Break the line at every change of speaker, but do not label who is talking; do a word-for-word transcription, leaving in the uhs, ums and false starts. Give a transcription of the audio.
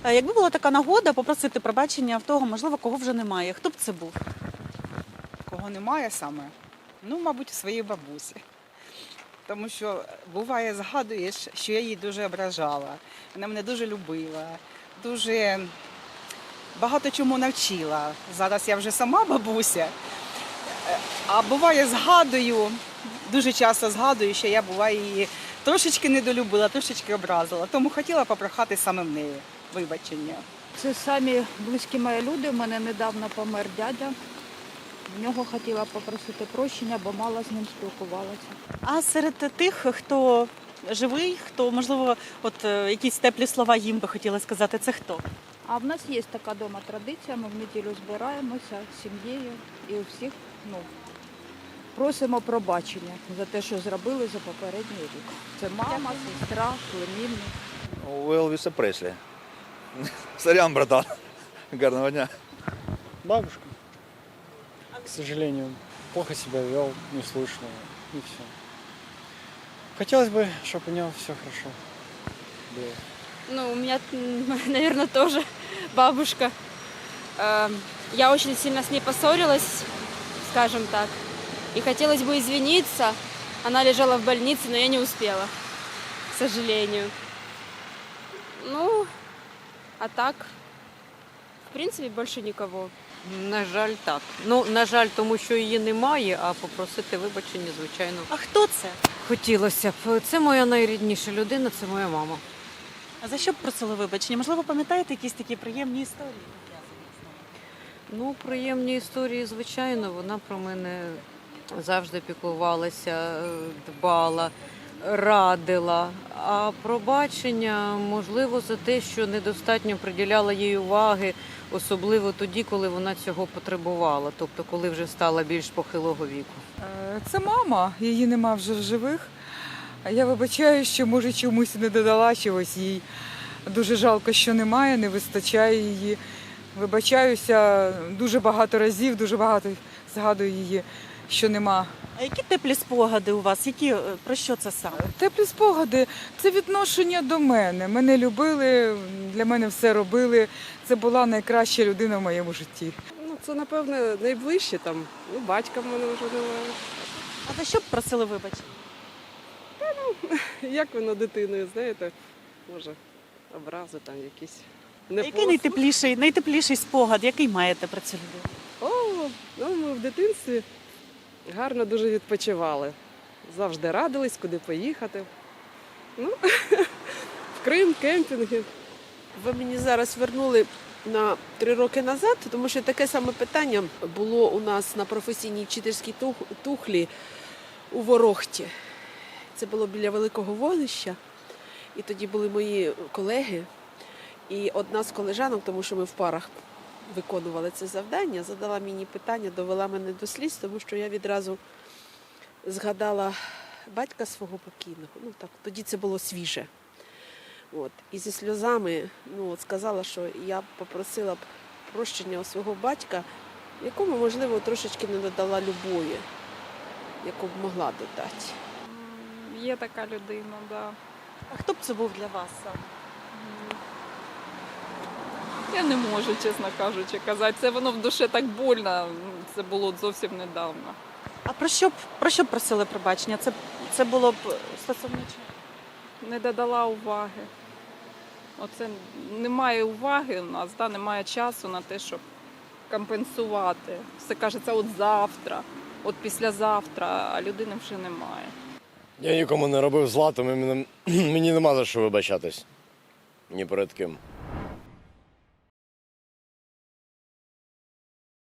Е, Якби була така нагода попросити пробачення в того, можливо, кого вже немає, хто б це був?
Кого немає саме? Ну, мабуть, своєї бабусі. Тому що буває, згадуєш, що я її дуже ображала. Вона мене дуже любила, дуже багато чому навчила. Зараз я вже сама бабуся. А буває, згадую, дуже часто згадую, що я буває її трошечки недолюбила, трошечки образила. Тому хотіла попрохати саме в неї вибачення.
Це самі близькі мої люди. У мене недавно помер дядя. В нього хотіла попросити прощення, бо мало з ним спілкувалася.
А серед тих, хто живий, хто, можливо, от е, якісь теплі слова їм би хотіли сказати, це хто?
А в нас є така дома традиція, ми в неділю збираємося з сім'єю і у всіх ну, просимо пробачення за те, що зробили за попередній рік. Це мама, сестра, племінник.
У Елвіса Преслі. Сорян, братан. Гарного дня.
Бабушка, к сожалению, плохо себя вел, неслышно, и все. Хотелось бы, чтобы у него все хорошо было.
Ну, у меня, наверное, тоже бабушка. Эм, Я очень сильно с ней поссорилась, скажем так. И хотелось бы извиниться. Она лежала в больнице, но я не успела, к сожалению. Ну, а так, в принципе, больше никого.
На жаль, так. Ну, на жаль, тому що її немає, а попросити вибачення, звичайно,
А хто це?
хотілося б. Це моя найрідніша людина, це моя мама.
А за що б просили вибачення? Можливо, пам'ятаєте якісь такі приємні історії?
Ну, приємні історії, звичайно, вона про мене завжди піклувалася, дбала, радила. А пробачення, можливо, за те, що недостатньо приділяла їй уваги, особливо тоді, коли вона цього потребувала, тобто коли вже стала більш похилого віку.
Е, Це мама, її нема вже в живих. А я вибачаю, що може чомусь не додала чогось їй. Дуже жалко, що немає, не вистачає її. Вибачаюся дуже багато разів, дуже багато згадую її, що нема.
А які теплі спогади у вас? Які, е, про що це саме?
Теплі спогади – це відношення до мене. Мене любили, для мене все робили. Це була найкраща людина в моєму житті.
Ну, це, напевне, найближче там. Ну, батька в мене вже немає.
А за що б просили вибачення?
Як воно дитиною, знаєте, може, образи там якісь. Не
Який найтепліший, найтепліший спогад, який маєте про цю людину?
О, ну ми в дитинстві гарно дуже відпочивали. Завжди радились, куди поїхати. Ну, в Крим, кемпінги.
Ви мені зараз вернули на три роки назад, тому що таке саме питання було у нас на професійній вчительській тух- тухлі у Ворохті. Це було біля великого вогнища. І тоді були мої колеги. І одна з колежанок, тому що ми в парах виконували це завдання, задала мені питання, довела мене до сліз, тому що я відразу згадала батька свого покійного. Ну так, тоді це було свіже. От. І зі сльозами ну, от, сказала, що я попросила б прощення у свого батька, якому, можливо, трошечки не додала любові, яку б могла додати.
Є така людина, да.
А хто б це був для вас саме?
Я не можу, чесно кажучи, казати. Це воно в душі так больно. Це було зовсім недавно.
А про що б, про що б просили пробачення? Це, це було б стосовно чого?
Не додала уваги. Оце немає уваги у нас, да? Немає часу на те, щоб компенсувати. Все кажеться, от завтра, от післязавтра, а людини вже немає.
Я нікому не робив зла, тому мені, мені нема за що вибачатись. Ні перед ким.